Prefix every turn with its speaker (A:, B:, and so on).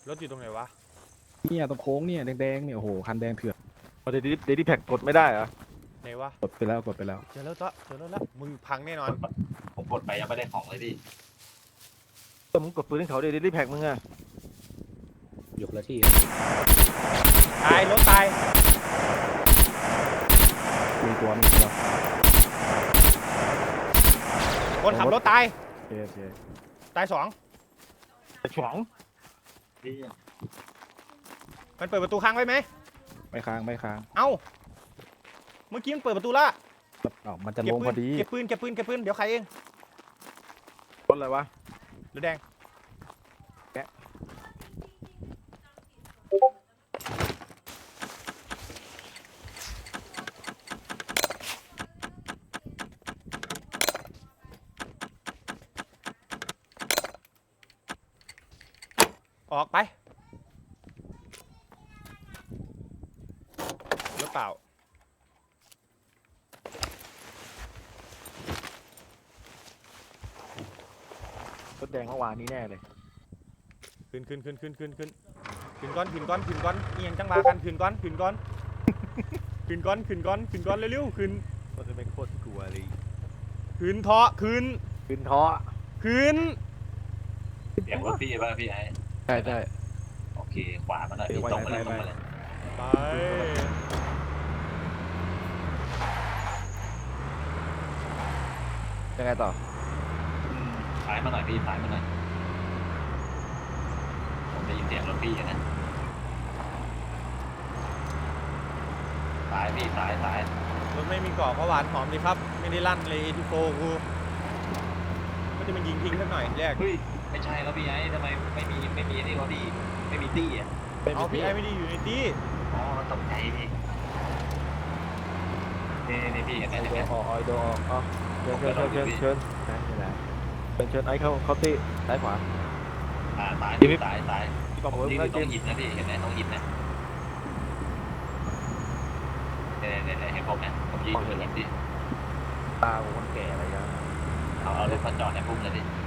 A: รถอยู่ตรงไหนวะ
B: เนี่ยตรงโค้งเนี่ยแดงๆเนี่ยโอ้โหคันแดงเถื่อน
C: เดดี้แพ็กกดไม่ได้เหรอ
A: ไหนวะ
B: กดไปแล้วกดไปแล้ว
A: เจอแล้วเจอแล้วมึงพังแน่นอน
D: ผมกดไปยังไม่ได้ของเลยพี่
C: แต่มึงกดปืนให้เขาเดดี้แพ็กมึงอะ
E: ยกละที่
A: ตายรถตาย
B: มีตัว
A: คนขับรถตาย
B: โอเค
A: ตายสอง
C: ไอ้ฉอง
D: พี่
A: มันเปิดประตูค้างไว้ไหม
B: ไม่ค้างไม่ค้าง
A: เอ้าเมื่อกี้มันเปิดประตูละ
B: อ๋อมันจะ
A: เก็
B: ล
A: บ
B: ง
A: ปื
B: พอน ดี
A: เก็บปืนเดี๋ยวใครเอง
C: รถอะไรวะ
A: รถแดงออกไปรถเปล่าร
C: ถแดงเมื่อวานนี้แน่เลย
A: ขึ้นก้อนนี่ยังจังหวะกันขึ้นก้อนเร็วๆขึ้น
C: รถจะเป็นโคตรกลัวเลย
A: ขึ้นเถาะขึ้น
C: ขึ้นท้อ
A: ขึ้น
D: เสียงรถพี่ป่ะพี่ไอ้
B: ใช่ใช่
D: โอเคขวามาหน่อยพี่ตรงมาเลยตรงมาเลย
A: ไป
B: ยังไงต่อ
D: ซ้ายมาหน่อยพี่ซ้ายมาหน่อยผมได้ยินเสียงรถพี่อย่างนั้นซ้ายพี่ซ้าย
A: รถไม่มีเกาะก็หวานหอมดีครับ ไม่ได้ลั่นเลยทีโฟกูก็จะมันยิงทิ้งสักหน่อยแรก
D: เฮ้ยไม่ใช่แล้วพี่ไอ้ทำไมไม่มีนี่เขาดีไม่มีตี้อ่ะ
A: เอาพี่ไอไม่ได้อยู่ในที่
D: อ๋อตกใจพี่นี่พี่เห็นไหม
C: ไอ
D: เห็น
C: โด
D: ไหม
C: ออกไอโดออกอ๋อเชิญนี่แหละเชิญไอเข้าตีซ้ายขวา
D: ซ้าย
C: พี่
D: ที่
C: บอกผม
D: ต้
C: ว่า
D: องหินนะพี่เห็นไหมต้องหินนะเนี่ยเห็นผมนะผมยืนอยู่หินดิ
C: ตาผมคนแก่อะไรอย่าง
D: เอารถมาจอดในพุ่มเลยดิ